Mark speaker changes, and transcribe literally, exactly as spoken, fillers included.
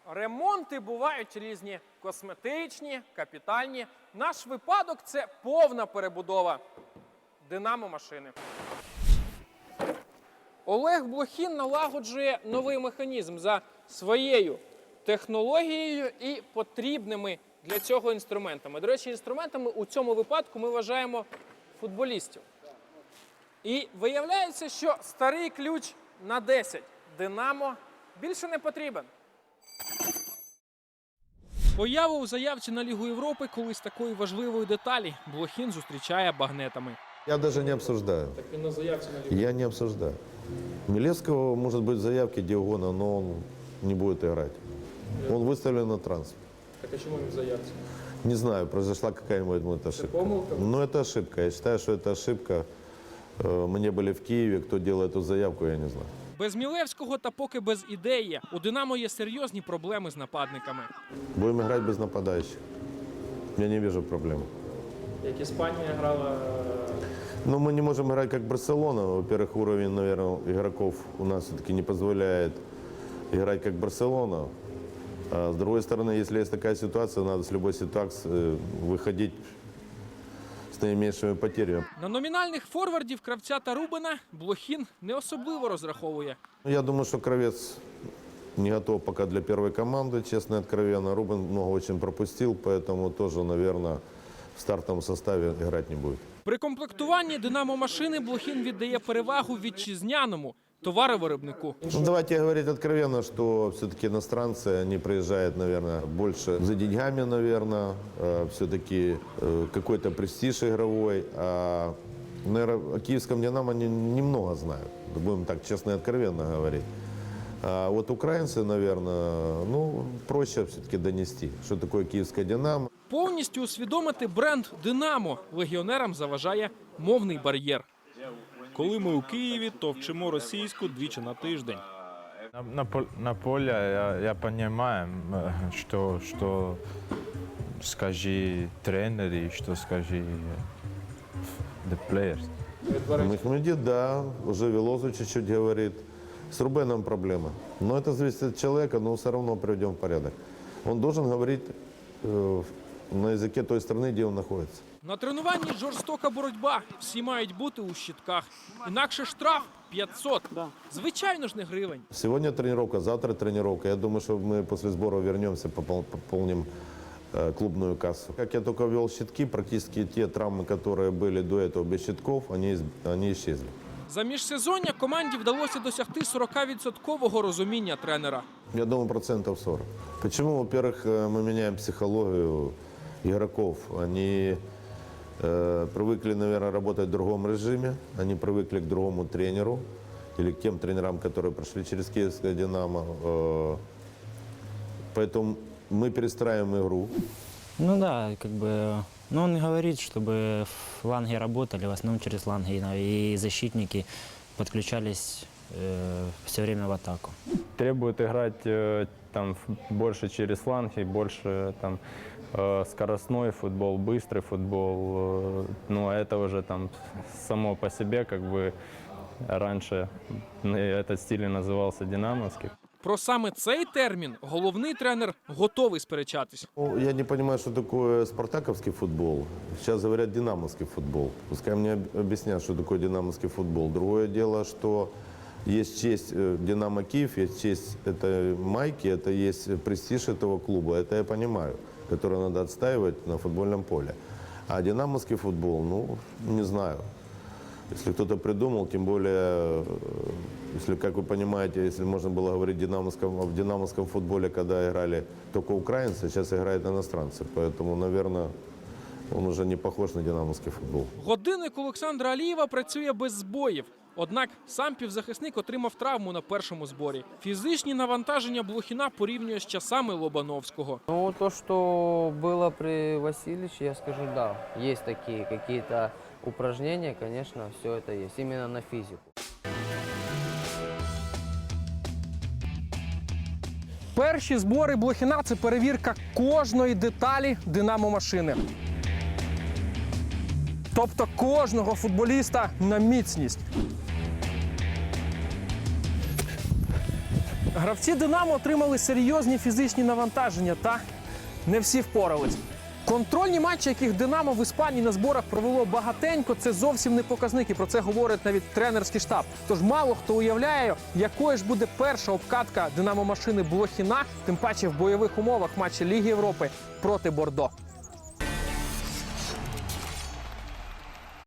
Speaker 1: Ремонти бувають різні – косметичні, капітальні. Наш випадок – це повна перебудова динамо-машини. Олег Блохін налагоджує новий механізм за своєю технологією і потрібними для цього інструментами. До речі, інструментами у цьому випадку ми вважаємо футболістів. І виявляється, що старий ключ на десять «Динамо» більше не потрібен. Появу у заявці на Лігу Європи колись такої важливої деталі Блохін зустрічає багнетами.
Speaker 2: Я даже не обсуждаю.
Speaker 1: Так він на заявці на Лігу.
Speaker 2: Я не обсуждаю. Милевского может быть в заявке где угодно, но он не будет играть. Он выставлен на трансфер.
Speaker 1: Так а чому він в заявці?
Speaker 2: Не знаю, произошла какая-нибудь может, ошибка.
Speaker 1: помылка?
Speaker 2: Но это ошибка. Я считаю, что это ошибка. Э, Мы не были в Киеве. Кто делал эту заявку, я не знаю.
Speaker 1: Без Мілевського та поки без ідеї у «Динамо» є серйозні проблеми з нападниками.
Speaker 2: Будем играть без нападающих. Я не вижу проблем.
Speaker 1: Як Іспанія грала...
Speaker 2: Но мы не можем играть как Барселона. Во-первых, уровень, наверное, игроков у нас все-таки не позволяет играть как Барселона. А с другой стороны, если есть такая ситуация, надо с любой ситуации выходить с наименьшими потерями.
Speaker 1: На номінальних форвардів Кравця та Рубина Блохін не особливо розраховує.
Speaker 2: Я думаю, что Кравец не готов пока для первой команды, честно и откровенно. Рубин много очень пропустил, поэтому тоже, наверное, в стартовом составе играть не будет.
Speaker 1: При комплектуванні «Динамо-машини» Блохін віддає перевагу вітчизняному товаровиробнику.
Speaker 2: Ну, давайте говорить откровенно, что все-таки иностранцы, они приезжают, наверное, больше за деньгами, наверное, все-таки какой-то престиж игровой. А, наверное, о киевском «Динамо» они немного знают, будем так честно и откровенно говорить. А вот украинцы, наверное, ну, проще все-таки донести, что такое киевское «Динамо».
Speaker 1: Повністю усвідомити бренд «Динамо» легіонерам заважає мовний бар'єр.
Speaker 3: Коли ми у Києві, то вчимо російську двічі на тиждень.
Speaker 4: На, на, пол- на поле я, я понимаю, э, что, что скажи тренер и что скажи the players.
Speaker 2: Мехмедид, да, уже Велозу чуть-чуть говорит. С Рубеном проблема. Но это зависит от человека, но все равно приведем в порядок. Он должен говорить э, на языке той страны, где он находится.
Speaker 1: На тренуванні жорстока боротьба. Всі мають бути у щитках. Інакше штраф п'ятсот. Звичайно ж не гривень.
Speaker 2: Сегодня тренировка, завтра тренировка. Я думаю, что мы после сбора вернемся, попол- пополним э, клубную кассу. Как я только ввел щитки, практически те травмы, которые были до этого без щитков, они, из- они исчезли.
Speaker 1: За міжсезоння команді вдалося досягти сорокавідсоткового розуміння тренера.
Speaker 2: Я думаю, процентов сорок. Почему? Во-первых, э, мы меняем психологию игроков. Они э, привыкли, наверное, работать в другом режиме. Они привыкли к другому тренеру или к тем тренерам, которые прошли через киевское «Динамо». Э, поэтому мы перестраиваем игру.
Speaker 5: Ну да, как бы, ну он говорит, чтобы фланги работали, в основном через фланги, и защитники подключались э, все время в атаку.
Speaker 6: Требует играть э, там ф- больше через фланги, больше там э, скоростной футбол, быстрый футбол. Э, ну, это уже там само по себе, как бы раньше ну, этот стиль и назывался динамовский.
Speaker 1: Про саме цей термін головний тренер готовий сперечатись.
Speaker 2: Ну, я не понимаю, что такое спартаковский футбол. Сейчас говорят динамовский футбол. Пускай мне об- объяснят, что такое динамовский футбол. Другое дело, что есть честь э, «Динамо Киев», есть честь этой майки, это есть престиж этого клуба. Это я понимаю, который надо отстаивать на футбольном поле. А динамовский футбол, ну, не знаю. Если кто-то придумал, тем более, э, если, как вы понимаете, если можно было говорить в динамовском, в динамовском футболе, когда играли только украинцы, сейчас играют иностранцы. Поэтому, наверное, он уже не похож на динамовский футбол.
Speaker 1: Годинник Олександра Алієва працює без збоїв. Однак сам півзахисник отримав травму на першому зборі. Фізичні навантаження Блохіна порівнює з часами Лобановського.
Speaker 7: Ну, то, что было при Васильевиче, я скажу, да. Есть такие какие-то упражнения, конечно, все это есть. Именно на физику.
Speaker 1: Перші збори Блохіна – це перевірка кожної деталі «Динамо-машини». Тобто кожного футболіста на міцність. Гравці «Динамо» отримали серйозні фізичні навантаження, та не всі впорались. Контрольні матчі, яких «Динамо» в Іспанії на зборах провело багатенько, це зовсім не показники. Про це говорить навіть тренерський штаб. Тож мало хто уявляє, якою ж буде перша обкатка «Динамо» машини Блохіна, тим паче в бойових умовах матчі Ліги Європи проти Бордо.